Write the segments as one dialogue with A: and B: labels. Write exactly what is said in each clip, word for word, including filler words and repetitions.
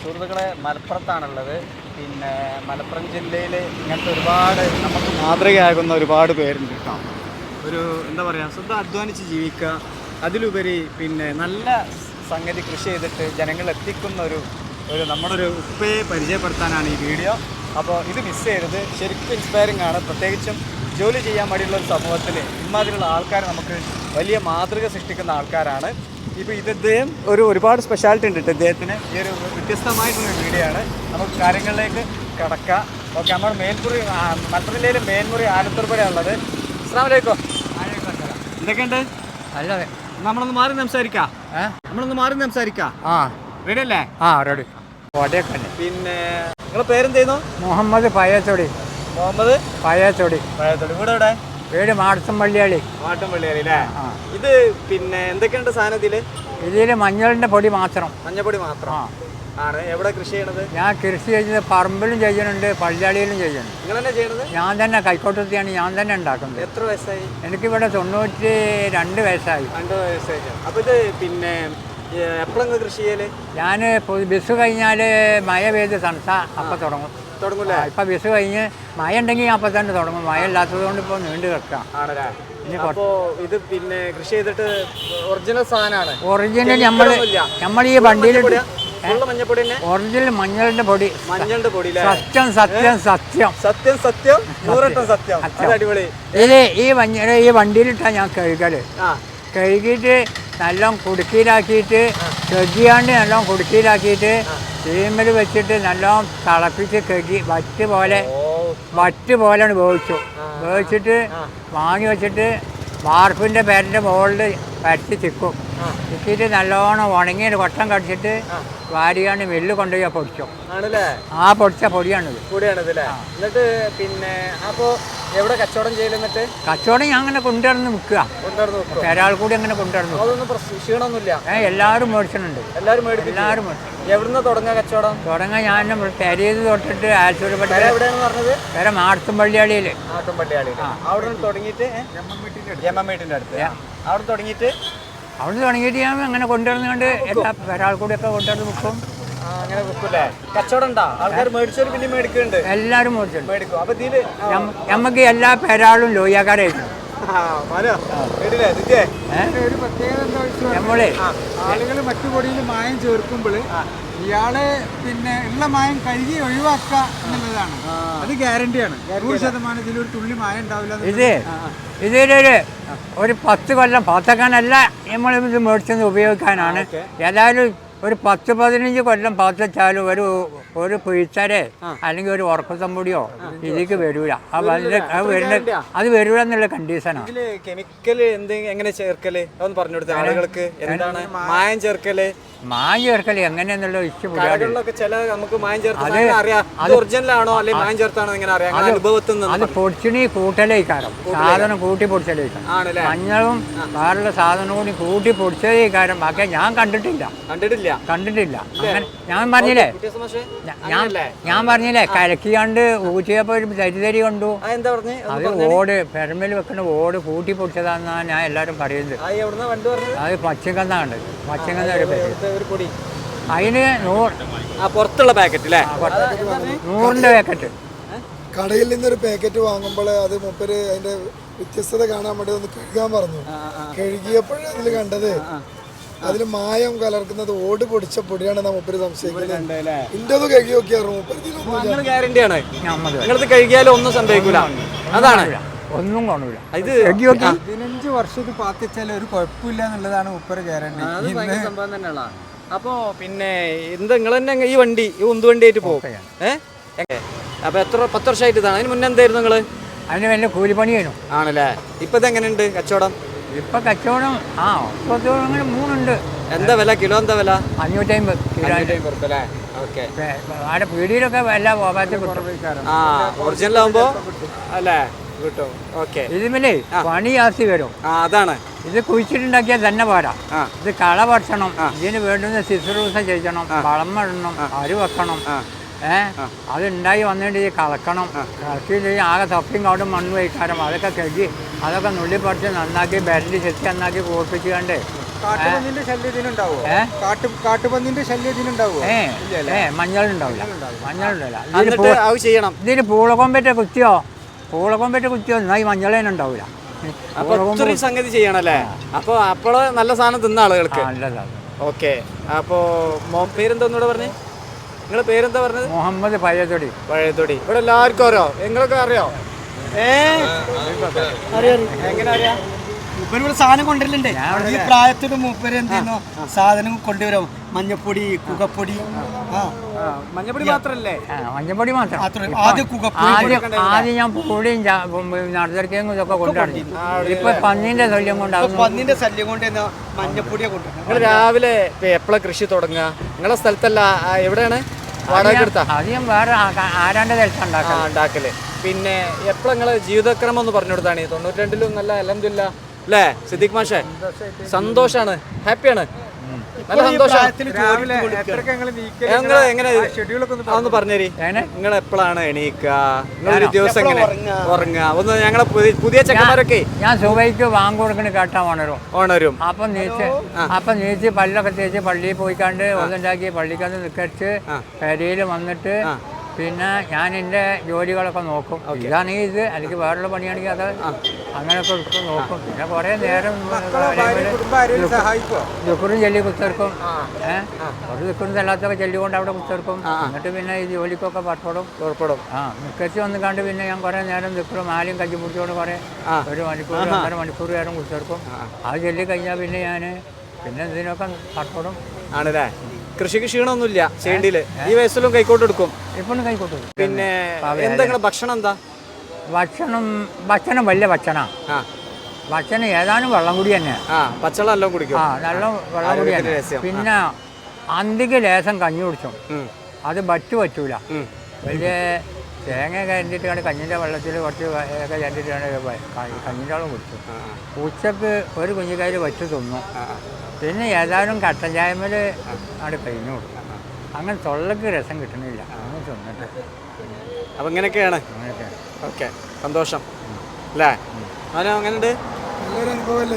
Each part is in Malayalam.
A: സുഹൃത്തുക്കളെ മലപ്പുറത്താണുള്ളത്. പിന്നെ മലപ്പുറം ജില്ലയിൽ ഇങ്ങനത്തെ ഒരുപാട് നമുക്ക് മാതൃകയാകുന്ന ഒരുപാട് പേരുണ്ട് കേട്ടോ. ഒരു എന്താ പറയുക, സ്വന്തം അധ്വാനിച്ച് ജീവിക്കുക, അതിലുപരി പിന്നെ നല്ല സംഗതി കൃഷി ചെയ്തിട്ട് ജനങ്ങൾ എത്തിക്കുന്ന ഒരു ഒരു നമ്മുടെ ഒരു ഉപ്പയെ പരിചയപ്പെടുത്താനാണ് ഈ വീഡിയോ. അപ്പോൾ ഇത് മിസ് ചെയ്തത് ശരിക്കും ഇൻസ്പയറിംഗ് ആണ്. പ്രത്യേകിച്ചും ജോലി ചെയ്യാൻ വേണ്ടിയുള്ള ഒരു സമൂഹത്തിൽ ഇമാതിരിയുള്ള ആൾക്കാർ നമുക്ക് വലിയ മാതൃക സൃഷ്ടിക്കുന്ന ആൾക്കാരാണ്. ഇപ്പോൾ ഇത് ഇദ്ദേഹം ഒരു ഒരുപാട് സ്പെഷ്യാലിറ്റി ഉണ്ട് ഇദ്ദേഹത്തിന്. ഈ ഒരു വ്യത്യസ്തമായിട്ടുള്ളൊരു വീഡിയോ ആണ്. നമുക്ക് കാര്യങ്ങളിലേക്ക് കടക്കാം. ഓക്കെ, നമ്മുടെ മേൽമുറി മലപ്പുറം ജില്ലയിലെ മേൽമുറി ആലത്തൂർപ്പുഴയാണ് ഉള്ളത്. അസ്സലാമു അലൈക്കും. എന്തൊക്കെയുണ്ട്?
B: നല്ലത്.
A: നമ്മളൊന്ന് മാറി സംസാരിക്കാം. നമ്മളൊന്ന് മാറി സംസാരിക്കാം.
B: ആ
A: റെഡി അല്ലേ?
B: ആ റെഡി.
A: പിന്നെ നിങ്ങളെ പേരെന്തെയ്യുന്നു?
B: മുഹമ്മദ് പയ്യച്ചോടി.
A: മുഹമ്മദ്
B: പയ്യച്ചോടി.
A: പഴയത്തോടി. വീട് എവിടെ?
B: വീട് മാടത്തം പള്ളിയാളി.
A: മാട്ടും പള്ളിയാളി അല്ലേ? ഇത് പിന്നെ എന്തൊക്കെയുണ്ട് സാധനത്തില്?
B: ഇതിൽ മഞ്ഞളിന്റെ പൊടി മാത്രം.
A: മഞ്ഞപ്പൊടി മാത്രം ആണ്. എവിടെ കൃഷി ചെയ്യണത്?
B: ഞാൻ കൃഷി ചെയ്യുന്നത് പറമ്പിലും ചെയ്യുന്നുണ്ട്, പള്ളിയാളിയിലും ചെയ്യുന്നുണ്ട്.
A: നിങ്ങൾ തന്നെ ചെയ്യണത്?
B: ഞാൻ തന്നെ കൈക്കോട്ടത്തിയാണ് ഞാൻ തന്നെ ഉണ്ടാക്കുന്നത്.
A: എത്ര വയസ്സായി?
B: എനിക്കിവിടെ തൊണ്ണൂറ്റി രണ്ട് വയസ്സായി.
A: രണ്ട് വയസ്സായി. അപ്പൊ ഇത് പിന്നെ എപ്പോഴെങ്കിലും കൃഷി ചെയ്യല്? ഞാൻ
B: ബസ് കഴിഞ്ഞാൽ മഴ പെയ്ത് തണുത്ത അപ്പം തുടങ്ങും.
A: തുടങ്ങൂലേ?
B: ഇപ്പം ബസ് കഴിഞ്ഞ് മഴ ഉണ്ടെങ്കിൽ അപ്പം തന്നെ തുടങ്ങും. മഴ ഇല്ലാത്തത് കൊണ്ട് ഇപ്പോൾ നീണ്ടു കിടക്കാം.
A: ആണല്ലേ? അപ്പോ ഇത് പിന്നെ കൃഷി ചെയ്തിട്ട് ഒറിജിനൽ സാധനമാണ്.
B: ഒറിജിനൽ നമ്മൾ നമ്മൾ ഈ വണ്ടിയിൽ
A: മഞ്ഞപ്പൊടി തന്നെ
B: ഒറിജിനൽ മഞ്ഞളിന്റെ പൊടി.
A: മഞ്ഞളുടെ പൊടി.
B: സത്യം സത്യം സത്യം
A: സത്യം സത്യം നൂറട്ടം സത്യം. അടിപൊളി.
B: ഇത് ഈ മഞ്ഞൾ ഈ വണ്ടിയിലിട്ടാ ഞാൻ കഴുകല്. കഴുകിയിട്ട് നല്ലോണം കുടുക്കിയിലാക്കിയിട്ട് കഴുകിയാണ്ട് നല്ലോണം കുടുക്കിയിലാക്കിയിട്ട് തീമൽ വെച്ചിട്ട് നല്ലോണം തിളപ്പിച്ച് കഴുകി വറ്റ് പോലെ വറ്റ് പോലെയാണ് വേവിച്ചു. വേവിച്ചിട്ട് വാങ്ങി വെച്ചിട്ട് വാർപ്പിൻ്റെ പേരിൻ്റെ മുകളിൽ പരത്തി ചിക്കും. ചിക്കിയിട്ട് നല്ലോണം ഉണങ്ങി കൊട്ടം കടിച്ചിട്ട് വാരിയാണ് വെല്ല് കൊണ്ടുപോയി പൊടിച്ചു.
A: ആണല്ലേ? ആ
B: പൊടിച്ച പൊടിയാണിത്.
A: പൊടിയാണിത് അല്ലേ? എന്നിട്ട് പിന്നെ അപ്പോൾ എവിടെ കച്ചവടം ചെയ്യലെന്നിട്ട്?
B: കച്ചവടം ഞാൻ അങ്ങനെ കൊണ്ടുവന്ന് വിൽക്കുക.
A: കൊണ്ടുവന്ന് വിൽക്കുക.
B: ഒരാൾ കൂടി അങ്ങനെ കൊണ്ടുവന്നു.
A: അതൊന്നും ക്ഷീണമൊന്നുമില്ല.
B: ഏഹ് എല്ലാവരും മേടിച്ചിട്ടുണ്ട്.
A: എല്ലാവരും മേടിക്കും. എല്ലാവരും മേടിച്ചു. എവിടുന്ന് തുടങ്ങാൻ കച്ചവടം? തുടങ്ങാൻ ഞാൻ പെരയത് തൊട്ടിട്ട് ആലത്തൂർ പള്ളി. എവിടെയാണെന്ന് പറഞ്ഞത്? വേറെ മാടത്തും പള്ളിയാളിയിൽ. മാടത്തും പള്ളിയാളിയിൽ. അവിടെ തുടങ്ങിയിട്ട് ജമ്മമ്മീട്ടിൻ്റെ അടുത്ത് അവിടെ തുടങ്ങിയിട്ട് അവിടെ തുടങ്ങിയിട്ട് ഞാൻ അങ്ങനെ കൊണ്ടുവരുന്നുകൊണ്ട് എല്ലാ ഒരാൾ കൂടിയൊക്കെ കൊണ്ടുവന്ന് വിൽക്കും. അങ്ങനെ വിൽക്കൂല്ലേ? കച്ചവടം ഉണ്ടോ? ആൾക്കാർ മേടിച്ചവർ പിന്നെ മേടിക്കുന്നുണ്ട്. എല്ലാവരും മേടിച്ചു മേടിക്കും. അപ്പൊ ഇതില് നമുക്ക് എല്ലാ പേരാളും ലോയ്യക്കാരായിരുന്നു. നമ്മളെ
C: ആളുകൾ മറ്റു പൊടിയിൽ മായം ചേർക്കുമ്പോൾ ഇയാളെ പിന്നെ ഉള്ള മായം കഴുകി ഒഴിവാക്കുക എന്നുള്ളതാണ്. അത് ഗ്യാരണ്ടിയാണ്. നൂറ് ശതമാനം ഇതിലൊരു തുള്ളി മായം ഉണ്ടാവില്ല.
B: ഇത് ഇതിലൊരു ഒരു പത്ത് കൊല്ലം പത്തക്കാനല്ല നമ്മളിത് മേടിച്ചത് ഉപയോഗിക്കാനാണ്. ഏതായാലും ഒരു പത്ത് പതിനഞ്ച് കൊല്ലം പാത്തിച്ചാലും ഒരു ഒരു പിഴിച്ചരെ അല്ലെങ്കിൽ ഒരു ഉറക്കത്തമ്പൊടിയോ ഇതിലേക്ക് വരൂല. അത് വരുന്ന അത് വരൂല എന്നുള്ള കണ്ടീഷനാണ്.
A: കെമിക്കല് എങ്ങനെ ചേർക്കല് അതൊന്ന് പറഞ്ഞു കൊടുത്ത ആളുകൾക്ക്. എന്താണ് മായം ചേർക്കല്?
B: മായം ചേർക്കല് എങ്ങനെയെന്നുള്ള ഇഷ്ടം
A: നമുക്ക് മായം ചേർത്ത് ഒറിജിനലാണോ അല്ലെങ്കിൽ മായം ചേർത്താണോ എങ്ങനെ അറിയാം? അനുഭവത്തിൽ നിന്ന്
B: അത് പൊടിച്ചിണി കൂട്ടലേക്കാരം സാധനം കൂട്ടി പൊടിച്ചലേക്കാരം. മഞ്ഞളും വേറുള്ള സാധനം കൂടി കൂട്ടി പൊടിച്ചതേക്കാരം. ബാക്കി ഞാൻ കണ്ടിട്ടില്ല
A: കണ്ടിട്ടില്ല
B: കണ്ടിട്ടില്ല അങ്ങനെ ഞാൻ പറഞ്ഞില്ലേ ഞാൻ ഞാൻ പറഞ്ഞില്ലേ കലക്കിയാണ്ട് ഊറ്റിയപ്പോ ഒരു തരിതരി കണ്ടു. അത് ഓട് പെരമ്പിൽ വെക്കുന്ന ഓട് കൂട്ടി പൊടിച്ചതാന്നാണ് ഞാൻ എല്ലാരും പറയുന്നത്. അത് പച്ചക്കന്നാ കണ്ടത്. പച്ചക്കന്ന ഒരു പേര്. അതിന്
A: പുറത്തുള്ള പാക്കറ്റ് അല്ലേ?
B: നൂറിന്റെ പാക്കറ്റ്.
C: കടയിൽ നിന്നൊരു പാക്കറ്റ് വാങ്ങുമ്പോൾ അത് മൂപ്പര് അതിന്റെ വ്യത്യസ്തത കാണാൻ വേണ്ടി ഒന്ന് കഴുകാൻ പറഞ്ഞു. കഴുകിയപ്പോഴേ അതിൽ കണ്ടത് അതില് മായം കലർക്കുന്നത് ഓട് പൊടിച്ച പൊടിയാണ് മൂപ്പര് സംശയിക്കുന്നത്. ഇന്റത് കഴുകി നോക്കിയാൽ
A: ഗ്യാരണ്ടിയാണ്. നിങ്ങളത് കഴുകിയാലും ഒന്നും സംഭവിക്കൂല. അതാണ്
B: ഒന്നും കാണൂല.
A: ഇത്
C: പതിനഞ്ച് വർഷം ഇത് പാത്തിച്ചാൽ ഒരു കുഴപ്പമില്ല എന്നുള്ളതാണ് മൂപ്പര് ഗ്യാരണ്ടി.
A: സംഭവം തന്നെയുള്ള. അപ്പൊ പിന്നെ എന്താ നിങ്ങൾ തന്നെ ഈ വണ്ടി ഈ ഉന്ത് വണ്ടി ആയിട്ട് പോകും? ഏഹ് അപ്പൊ എത്ര പത്ത് വർഷമായിട്ട് ഇതാണ്? അതിന് മുന്നേ എന്തായിരുന്നു നിങ്ങള്?
B: അതിന് വലിയ കൂലിപ്പണിയായിരുന്നു.
A: ആണല്ലേ? ഇപ്പൊ ഇത് എങ്ങനെയുണ്ട് കച്ചവടം?
B: ഇപ്പൊ കച്ചവടം ആ അങ്ങനെ മൂന്നുണ്ട്.
A: എന്താ വില? കിലോ എന്താ വില?
B: അഞ്ഞൂറ്റി അമ്പത് കിലോ. ആടെ പീടിയിലൊക്കെ വില
A: ആ ഒറിജിനൽ ആവുമ്പോ അല്ലേ കിട്ടും. ഓക്കെ.
B: ഇതിമല്ലേ പണി ജാസ്തി വരും.
A: അതാണ്.
B: ഇത് കുഴിച്ചിട്ടുണ്ടാക്കിയാൽ തന്നെ പോരാ. ഇത് കള പറിച്ചണം. ഇതിന് വേണ്ടുന്ന ശുശ്രൂഷ ചെയ്യണം. വളം ഇടണം. അരി വെക്കണം. ഏഹ് അതുണ്ടായി വന്നിട്ട് ഈ കളക്കണം. കളക്കി ആകെ തൊപ്പിയും കൗടും മണ്ണ് വയ്ക്കാരം. അതൊക്കെ കഴുകി അതൊക്കെ നുള്ളി പറിച്ച് നന്നാക്കി ബെരണ്ടി ചെത്തി നന്നാക്കി കൂർപ്പിച്ചുകൊണ്ട്
A: കാട്ടുപന്നിന്റെ ശല്യം ഇതിനുണ്ടാവോ? കാട്ടു കാട്ടുപന്നിന്റെ ശല്യം ഇതിനുണ്ടാവോ?
B: ഏ ഏ മഞ്ഞളുണ്ടാവില്ല, മഞ്ഞളുണ്ടാവില്ല.
A: എന്നിട്ട് അത് ചെയ്യണം.
B: ഇതിന് പൂളക്കൊമ്പറ്റ കുത്തിയോ പൂളക്കൊമ്പറ്റ കുത്തിയോ എന്നാൽ ഈ മഞ്ഞളേനെ ഉണ്ടാവില്ല.
A: അപ്പൊ ഒത്തിരി സംഗതി ചെയ്യണല്ലേ? അപ്പൊ അപ്പോള് നല്ല സാധനം തിന്ന ആളുകൾക്ക്.
B: നല്ലതാണ്.
A: ഓക്കെ. അപ്പോ പേരെന്തോന്നൂടെ പറഞ്ഞേ? നിങ്ങളെ പേരെന്താ പറഞ്ഞത്?
B: മുഹമ്മദ് പഴയതൊടി.
A: പഴയതൊടി. ഇവിടെ എല്ലാവർക്കും അറിയോ? നിങ്ങളൊക്കെ അറിയോ? ഏ എങ്ങനെ അറിയാം?
D: മൂപ്പര് സാധനം കൊണ്ടുവരലുണ്ട്. ഈ പ്രായത്തോട് മൂപ്പര് എന്ത് ചെയ്യുന്നു? സാധനം കൊണ്ടുവരും. മഞ്ഞപ്പൊടി, കുകപ്പൊടി. ആ
A: മഞ്ഞപ്പൊടി മാത്രല്ലേ?
B: മഞ്ഞപ്പൊടി മാത്രം.
D: ആദ്യം കുകപ്പൊടി.
B: ആദ്യം ആദ്യം ഞാൻ പൊടിയും നടത്തിറക്കിയും ഇതൊക്കെ കൊണ്ടുവരണം. ഇപ്പൊ പന്നീന്റെ ശല്യം കൊണ്ടാകും.
D: പന്നിന്റെ ശല്യം കൊണ്ട് മഞ്ഞപ്പൊടിയെ കൊണ്ടുവരും.
A: നിങ്ങൾ രാവിലെ എപ്പോഴാ കൃഷി തുടങ്ങുക? നിങ്ങളെ സ്ഥലത്തല്ല, എവിടെയാണ് വാടക എടുത്താ?
B: അധികം വേറെ ആരാണ്ട് സ്ഥലത്ത്
A: ഉണ്ടാക്കല്. പിന്നെ എപ്പോഴാ നിങ്ങളെ ജീവിതക്രമം ഒന്ന് പറഞ്ഞു കൊടുത്താണ്? തൊണ്ണൂറ്റി രണ്ടിലും നല്ല അൽഹംദുലില്ലാ അല്ലേ സിദ്ദീഖ് മാഷേ? സന്തോഷാണ്, ഹാപ്പിയാണ്, നല്ല സന്തോഷം. നിങ്ങൾ എങ്ങനെ അതൊന്ന് പറഞ്ഞേരി. നിങ്ങൾ എപ്പോഴാണ് എണീക്കുക? നിങ്ങളൊരു ദിവസം എങ്ങനെ ഉറങ്ങുക? ഒന്ന് ഞങ്ങളെ പുതിയ ചെക്കന്മാരൊക്കെ
B: ഞാൻ സുബൈക്ക് വാങ്ങി കൊടുക്കണ കേട്ടാ ഓണരും
A: ഓണരും
B: അപ്പം നീച്ച് അപ്പം നീച്ച് പല്ലൊക്കെ തേച്ച് പള്ളിയിൽ പോയിക്കാണ്ട് ഒന്നുണ്ടാക്കി പള്ളിക്കന്ന് നിക്കടിച്ച് പെരയിൽ വന്നിട്ട് പിന്നെ ഞാൻ എൻ്റെ ജോലികളൊക്കെ നോക്കും. ഇതാണെങ്കിൽ ഇത് അല്ലെങ്കിൽ വേറെയുള്ള പണിയാണെങ്കിൽ അത് അങ്ങനെയൊക്കെ എടുക്കും നോക്കും. പിന്നെ കുറേ നേരം ദുഃഖറും ചെല്ലി കുത്തിർക്കും. ഏഹ് ഒരു ദുഃഖറും അല്ലാത്തൊക്കെ ചെല്ലിക്കൊണ്ട് അവിടെ കുത്തിർക്കും. എന്നിട്ട് പിന്നെ ഈ ജോലിക്കൊക്കെ പുറപ്പെടും പുറപ്പെടും ആ നിക്കച്ച് വന്ന് കണ്ട് പിന്നെ ഞാൻ കുറേ നേരം ദുഃഖറും മാലും കജ്ജി പിടിച്ചോണ്ട് കുറേ ഒരു മണിക്കൂർ ഒന്നര മണിക്കൂർ നേരം കുത്തിർക്കും. അത് ചൊല്ലി കഴിഞ്ഞാൽ പിന്നെ ഞാൻ പിന്നെ ഇതിനൊക്കെ പുറപ്പെടും.
A: ആണല്ലേ? കൃഷിക്ക് ക്ഷീണമൊന്നുമില്ല ചെയ്യേണ്ടിയില്? ഈ വയസ്സിലും കൈക്കോട്ട് എടുക്കും?
B: ഇപ്പോഴും കൈക്കോട്ട്.
A: പിന്നെ എന്താ ഭക്ഷണം? എന്താ
B: ഭക്ഷണം? ഭക്ഷണം വലിയ ഭക്ഷണം. ഭക്ഷണം ഏതാനും വെള്ളം കൂടി തന്നെ.
A: പച്ചവെള്ളം എല്ലാം കുടിക്കും.
B: ആ നല്ല വെള്ളം കൂടി തന്നെ. പിന്നെ അന്തിക്ക് ലേശം കഞ്ഞി കുടിച്ചും. അത് ബറ്റ് പറ്റൂല. വലിയ തേങ്ങ കരണ്ടിട്ട് കണ്ട് കഞ്ഞിൻ്റെ വെള്ളത്തിൽ കുറച്ച് ഒക്കെ കരണ്ടിട്ടാണ് കഞ്ഞിൻ്റെ വെള്ളം കുടിച്ചു. ഉച്ചക്ക് ഒരു കുഞ്ഞിക്കായിൽ വച്ച് തിന്നു. പിന്നെ ഏതായാലും കട്ടൻ ചായമേൽ അവിടെ കഴിഞ്ഞു കൊടുക്കും. അങ്ങനെ തൊള്ളക്ക് രസം കിട്ടണില്ല അങ്ങനെ തിന്നിട്ട്.
A: അപ്പം ഇങ്ങനെയൊക്കെയാണ്. ഓക്കെ, സന്തോഷം അല്ലേ? അവനോ അങ്ങനെയുണ്ട്?
C: നല്ലൊരു അനുഭവമല്ലേ?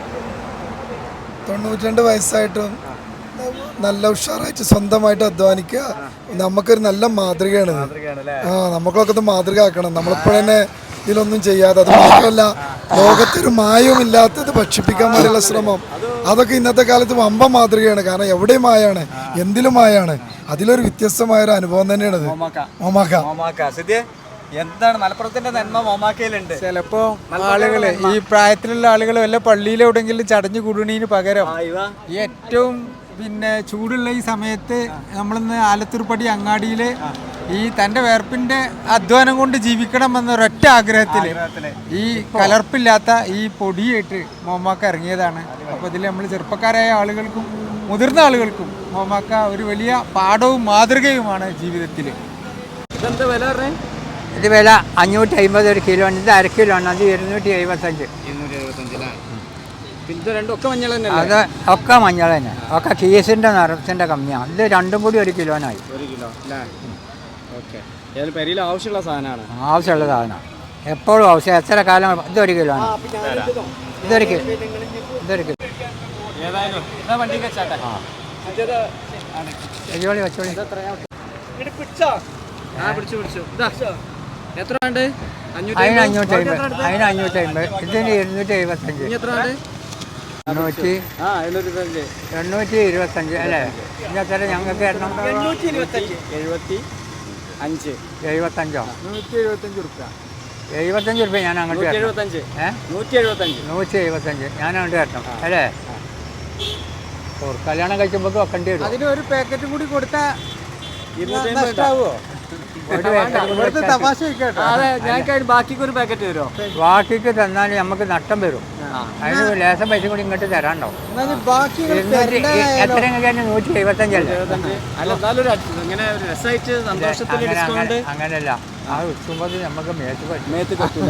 C: തൊണ്ണൂറ്റി രണ്ട് വയസ്സായിട്ടും നല്ല ഉഷാറായിട്ട് സ്വന്തമായിട്ട് അധ്വാനിക്കുക നമുക്കൊരു നല്ല മാതൃകയാണ്. ആ നമുക്കൊക്കെ ഇത് മാതൃക ആക്കണം. നമ്മളിപ്പോഴന്നെ ഇതിലൊന്നും ചെയ്യാതെ, അത് മാത്രമല്ല ലോകത്തൊരു മായവും ഇല്ലാത്തത് ഭക്ഷിപ്പിക്കാൻ വേണ്ടിയുള്ള ശ്രമം, അതൊക്കെ ഇന്നത്തെ കാലത്ത് വമ്പ മാതൃകയാണ്. കാരണം എവിടെയും മായാണ്, എന്തിലും മായാണ്. അതിലൊരു വ്യത്യസ്തമായൊരു അനുഭവം തന്നെയാണ് ഇത്. മോമാക്ക
A: എന്താണ് മലപ്പുറത്തിന്റെ നന്മ മോമാക്കയിലുണ്ട്.
E: ചിലപ്പോ ആളുകള് ഈ പ്രായത്തിലുള്ള ആളുകൾ വല്ല പള്ളിയിലെവിടെങ്കിലും ചടഞ്ഞു കൂടുന്നതിന് പകരം ഏറ്റവും പിന്നെ ചൂടുള്ള ഈ സമയത്ത് നമ്മളിന്ന് ആലത്തൂർപ്പടി അങ്ങാടിയിൽ ഈ തൻ്റെ വേർപ്പിൻ്റെ അധ്വാനം കൊണ്ട് ജീവിക്കണം എന്നൊരൊറ്റ ആഗ്രഹത്തിൽ ഈ കലർപ്പില്ലാത്ത ഈ പൊടിയായിട്ട് മോമാക്ക ഇറങ്ങിയതാണ്. അപ്പോൾ ഇതിൽ നമ്മൾ ചെറുപ്പക്കാരായ ആളുകൾക്കും മുതിർന്ന ആളുകൾക്കും മോമാക്ക ഒരു വലിയ പാഠവും മാതൃകയുമാണ് ജീവിതത്തിൽ.
A: ഇതെന്താ വില പറഞ്ഞേ?
B: ഇത് വില അഞ്ഞൂറ്റി അമ്പത് ഒരു കിലോ. ഇത് അര കിലോ ആണ്. അത് ഇരുന്നൂറ്റി എഴുപത്തഞ്ച്.
A: ഇരുന്നൂറ്റി എഴുപത്തഞ്ച് ഇത് രണ്ടൊക്കെ മഞ്ഞൾ തന്നെ?
B: അത് ഒക്കെ മഞ്ഞൾ തന്നെ. ഒക്കെ കീസിൻ്റെ നിറത്തിൻ്റെ കമ്മിയാണ്. ഇത് രണ്ടും കൂടി ഒരു കിലോനായി.
A: ഒരു കിലോ അല്ലേ? ഓക്കെ. ഏതായാലും പെരിയിൽ ആവശ്യമുള്ള സാധനമാണ്.
B: ആവശ്യമുള്ള സാധനമാണ് എപ്പോഴും ആവശ്യം. എത്ര കാലം? ഇതൊരു കിലോ ആണ്. ഇതൊരു കിലോ ഇതൊരു കിലോ
A: ഏതായാലും വണ്ടി വെച്ചാട്ടെ.
B: വെച്ചോളി വെച്ചോളി.
A: എത്ര ഉണ്ട്?
B: അതിന് അഞ്ഞൂറ്റി അമ്പത്. അതിന് അഞ്ഞൂറ്റി അമ്പത്. ഇതിന് ഇരുന്നൂറ്റി എഴുപത്തഞ്ച്. എണ്ണൂറ്റി എണ്ണൂറ്റി ഇരുപത്തഞ്ച് അല്ലേ? ഇന്നത്തെ ഞങ്ങൾക്ക്
A: എഴുപത്തി അഞ്ച് എഴുപത്തഞ്ചോ
E: നൂറ്റി എഴുപത്തഞ്ച് റുപ്യ
B: എഴുപത്തഞ്ച് റുപ്യ ഞാൻ അങ്ങോട്ട്
A: എഴുപത്തഞ്ച്
B: ഏഹ് നൂറ്റി എഴുപത്തഞ്ച് നൂറ്റി എഴുപത്തഞ്ച് ഞാൻ അങ്ങോട്ട് തരണം അല്ലേ? കല്യാണം കഴിക്കുമ്പോൾ വെക്കേണ്ടി വരും.
E: അതിന് ഒരു പാക്കറ്റ് കൂടി കൊടുത്താൽ
A: നഷ്ടാവോ?
E: തമാശ
A: ഞാൻ ബാക്കിക്ക് ഒരു പാക്കറ്റ് തരുമോ?
B: ബാക്കിക്ക് തന്നാൽ നമുക്ക് നഷ്ടം വരും. അതിന് ലേശം പൈസ കൂടി ഇങ്ങോട്ട് തരാണ്ടോ? എത്ര നൂറ്റി എഴുപത്തഞ്ചല്ലേ? അങ്ങനെയല്ല, ആ ഉച്ചുമ്പോൾ നമുക്ക് മേത്ത് മേത്ത് പറ്റൂല.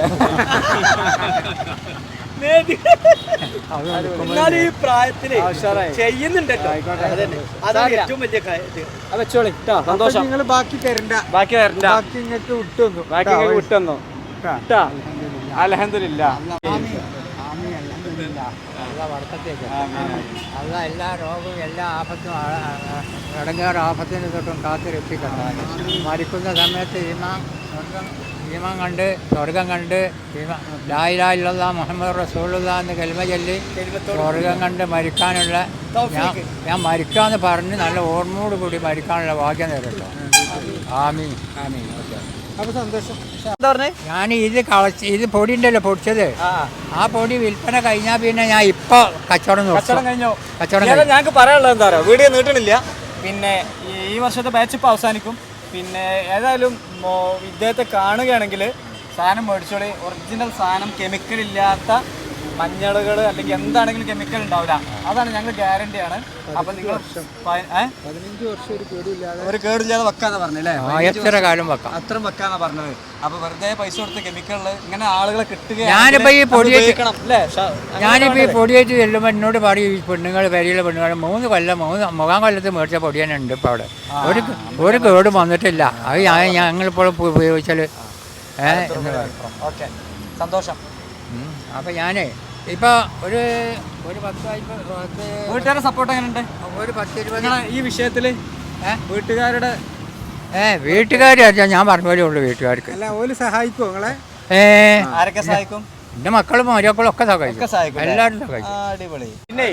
D: ഈ പ്രായത്തില് ചെയ്യുന്നുണ്ടല്ലോ, അതാണ് ഏറ്റവും വലിയ
A: വെച്ചോളി. സന്തോഷം.
E: നിങ്ങൾ ബാക്കി തരണ്ട,
A: ബാക്കി തരണ്ട,
E: ബാക്കി നിങ്ങൾക്ക് വിട്ടുവന്നു,
A: ബാക്കി വിട്ടുവന്നു. അൽഹംദുലില്ലാ.
B: അല്ല വർക്കത്തേക്ക് അല്ല എല്ലാ രോഗവും എല്ലാ ആപത്തും ഇടങ്ങേറ് ആപത്തിന് തൊട്ടും കാത്തു രക്ഷിക്കണം. മരിക്കുന്ന സമയത്ത് ഈമാൻ സ്വർഗം ഈമാൻ കണ്ട് സ്വർഗം കണ്ട് ലാ ഇലാഹ ഇല്ലല്ലാഹ് മുഹമ്മദ് റസൂലുള്ളാഹ് എന്ന് കലിമ ചൊല്ലി സ്വർഗം കണ്ട് മരിക്കാനുള്ള ഞാൻ ഞാൻ മരിക്കാമെന്ന് പറഞ്ഞ് നല്ല ഓർമ്മയോട് കൂടി മരിക്കാനുള്ള ഭാഗ്യം നേരിട്ടോ. ആമീൻ ആമീൻ. ഓക്കെ,
A: അപ്പോൾ സന്തോഷം. എന്താ പറഞ്ഞേ?
B: ഞാൻ ഇത് കളച്ച് ഇത് പൊടി ഉണ്ടല്ലോ പൊടിച്ചത്, ആ പൊടി വിൽപ്പന കഴിഞ്ഞാൽ പിന്നെ ഞാൻ ഇപ്പൊ കച്ചവടം
A: കച്ചവടം കഴിഞ്ഞോ?
B: കച്ചവടം
A: ഞങ്ങൾക്ക് പറയാനുള്ളത് എന്താ പറയുക, വീഡിയോ നീട്ടണില്ല. പിന്നെ ഈ വർഷത്തെ ബാച്ച് ഇപ്പോൾ അവസാനിക്കും. പിന്നെ ഏതായാലും ഇദ്ദേഹത്തെ കാണുകയാണെങ്കിൽ സാധനം മേടിച്ചോളി. ഒറിജിനൽ സാധനം, കെമിക്കൽ ഇല്ലാത്ത മഞ്ഞളുകൾ അല്ലെങ്കിൽ എന്താണെങ്കിലും കെമിക്കൽ ഉണ്ടാവില്ല. അതാണ് ഞങ്ങൾ ഗ്യാരണ്ടിയാണ്. അപ്പം നിങ്ങൾ
E: പതിനഞ്ച് വർഷം ഒരു കേടില്ലാതെ
A: ഒരു കേടില്ലാതെ വെക്കാന്ന് പറഞ്ഞല്ലേ?
B: എത്ര കാലം വെക്കാം,
A: അത്രയും വെക്കാന്നാ പറഞ്ഞത്. അപ്പൊ വെറുതെ പൈസ കൊടുത്ത് കെമിക്കലില് ഇങ്ങനെ ആളുകളെ കിട്ടുക.
B: ഞാനിപ്പോ ഈ പൊടി
A: അല്ലേ?
B: ഞാനിപ്പോ ഈ പൊടിയേറ്റ് ചെല്ലുമ്പോൾ എന്നോട് പറയും ഈ പെണ്ണുങ്ങൾ വരിയിലെ പെണ്ണുങ്ങൾ മൂന്ന് കൊല്ലം മൂന്ന് മുഖാം കൊല്ലത്ത് മേടിച്ച പൊടി തന്നെ ഉണ്ട് ഇപ്പൊ അവിടെ. ഒരു ഒരു കേടും വന്നിട്ടില്ല. അത് ഞാൻ ഞങ്ങളിപ്പോൾ ഉപയോഗിച്ചാൽ ഏഹ് എന്ന് പറയും.
A: ഓക്കെ, സന്തോഷം.
B: അപ്പൊ ഞാനേ ഇപ്പൊ ഒരു ഒരു പത്ത് പത്ത്
A: വീട്ടുകാരുടെ സപ്പോർട്ട് എങ്ങനെയുണ്ട്?
B: ഒരു പത്ത് ഇരുപത്
A: നിങ്ങളെ ഈ വിഷയത്തില് വീട്ടുകാരുടെ
B: ഏ വീട്ടുകാർ ഞാൻ പറഞ്ഞ പോലെ ഉള്ളു വീട്ടുകാർക്ക്.
E: അല്ല ഓല് സഹായിക്കുമോ നിങ്ങളെ?
B: ഏ
A: ആരൊക്കെ സഹായിക്കും?
B: എന്റെ മക്കളും മരുമക്കളും ഒക്കെ സഹായിക്കും, എല്ലാവരും സഹായിക്കും.
A: അടിപൊളി. പിന്നെ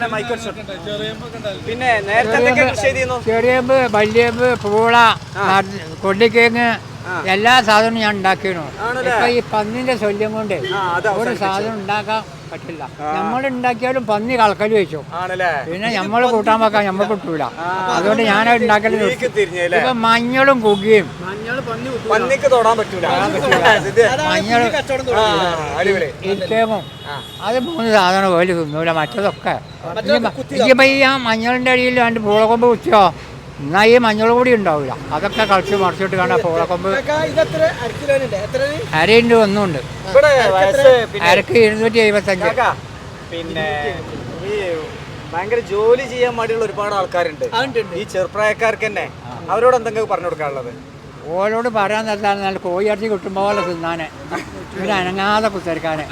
A: പിന്നെ നേരത്തെ എന്തൊക്കെ കൃഷി ചെയ്തിരുന്നു?
B: ചെറിയമ്പ്, വല്യമ്പ്, പൂള, കൊള്ളിക്കേങ്ങ് എല്ലാ സാധനവും ഞാൻ ഉണ്ടാക്കിയിരുന്നു. ഇപ്പൊ ഈ പന്നിന്റെ ശല്യം കൊണ്ട് ഒരു സാധനം ഉണ്ടാക്കാൻ പറ്റില്ല. നമ്മൾ ഉണ്ടാക്കിയാലും പന്നി കളക്കല് വെച്ചു, പിന്നെ നമ്മള് കൂട്ടാൻ വെക്കാൻ നമ്മൾ കിട്ടൂല. അതുകൊണ്ട് ഞാനത് ഉണ്ടാക്കല് ഇപ്പൊ മഞ്ഞളും കുകിയും
A: പന്നിക്ക് തൊടാൻ പറ്റൂല.
B: മഞ്ഞൾ ഇരിക്കേമും അത് മൂന്ന് സാധനം പോലും തിന്നൂല. മറ്റതൊക്കെ ഇപ്പൊ ഈ ആ മഞ്ഞളിന്റെ അടിയിൽ രണ്ട് പൂളക്കൊമ്പ് കുത്തിയോ എന്നാ ഈ മഞ്ഞൾ കൂടി ഉണ്ടാവില്ല. അതൊക്കെ കളിച്ച് മറിച്ചിട്ട് കാണാം. പൂളക്കൊമ്പ് അരയുണ്ട്, ഒന്നുണ്ട് അരക്ക് ഇരുന്നൂറ്റി എഴുപത്തഞ്ച്.
A: പിന്നെ ഈ ഭയങ്കര ജോലി ചെയ്യാൻ മടിയുള്ള ഒരുപാട് ആൾക്കാരുണ്ട് ഈ ചെറുപ്രായക്കാർക്ക് തന്നെ. അവരോട് എന്തെങ്കിലും പറഞ്ഞു കൊടുക്കാനുള്ളത്?
B: ഓരോട് പറയാൻ നിർത്താൻ നല്ല കോഴിയിറച്ചി കിട്ടുമ്പോൾ പോലെ തിന്നാനെ, പിന്നെ അനങ്ങാതെ കുത്തിരിക്കാനെ.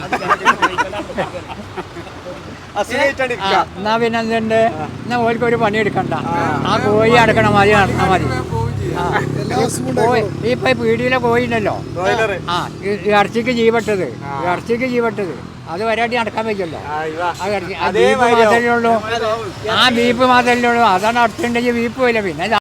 B: എന്നാ പിന്നെ എന്തുണ്ട്, എന്നാ ഓർക്ക് ഒരു പണി എടുക്കണ്ട. ആ കോഴി അടക്കണം, മതി നടന്നാൽ മതി. ഇപ്പൊ പീടിയിലെ കോഴി ഉണ്ടല്ലോ, ആ ഇറച്ചിക്ക് ജീവട്ടത്, ഇറച്ചിക്ക് ജീവട്ടത് അത് വരാട്ടി നടക്കാൻ പറ്റില്ലല്ലോ. ആ ഇറച്ചി ആ ബീഫ് മാത്രമല്ലേ ഉള്ളൂ, ആ ബീഫ് മാത്രമല്ലേ ഉള്ളൂ. അതാണ് അടുത്തുണ്ടെങ്കിൽ ബീഫ് പോയില്ല. പിന്നെ